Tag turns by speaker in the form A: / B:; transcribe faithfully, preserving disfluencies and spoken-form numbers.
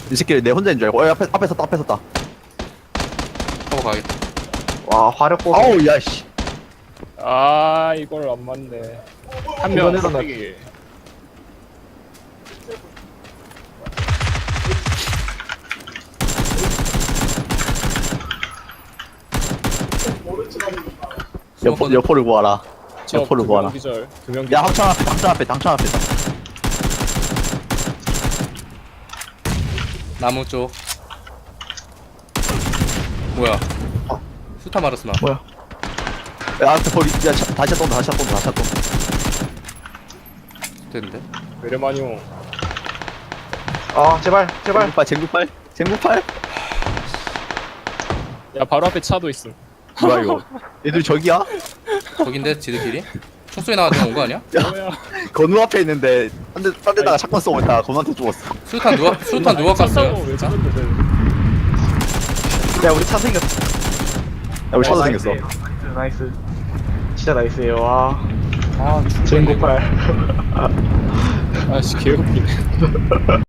A: 이 새끼 내 혼자인 줄 알고. 어, 앞에 앞에 섰다 앞에 섰다.
B: 하고 가겠다.
C: 와 화력 보소.
A: 아우 야씨.
D: 아 이걸 안 맞네. 한명
C: 이번에는 나-
D: 껍데기.
A: 여포 여포를 구하라.
D: 저
A: 여포를
D: 두
A: 구하라.
D: 명 기절. 두명
A: 야
D: 기절.
A: 당창 앞에 당창 앞에 당창 앞에 있다.
B: 나무 쪽. 뭐야? 수타 마르스나.
C: 뭐야?
A: 야 앞에 버리. 야 차, 다시 쏜다 다시 쏜다 다시 쏜다.
B: 됐는데?
D: 베르마니오.
C: 아 제발 제발.
A: 쟁구팔 쟁구팔 쟁구팔.
D: 야 바로 앞에 차도 있음.
A: 뭐야 이거? 얘들 저기야?
B: 거긴데 지들끼리? 총소리 나가지고 온 거 아니야?
D: 뭐야?
A: 건우 앞에 있는데 딴데 딴 데다가 샷건 쏘고 있다가 건우한테 죽었어.
B: 수탄 누가 수탄 누가
D: 차
B: 깠어요?
D: 타고 왜 저런데?
C: 야 우리 차 생겼어.
A: 야 우리 차도
D: 나이스.
A: 생겼어.
C: 나이스 나이스. 진짜 나이스예요. 와.
B: 아,
C: 전고팔.
D: 아씨 개웃기네.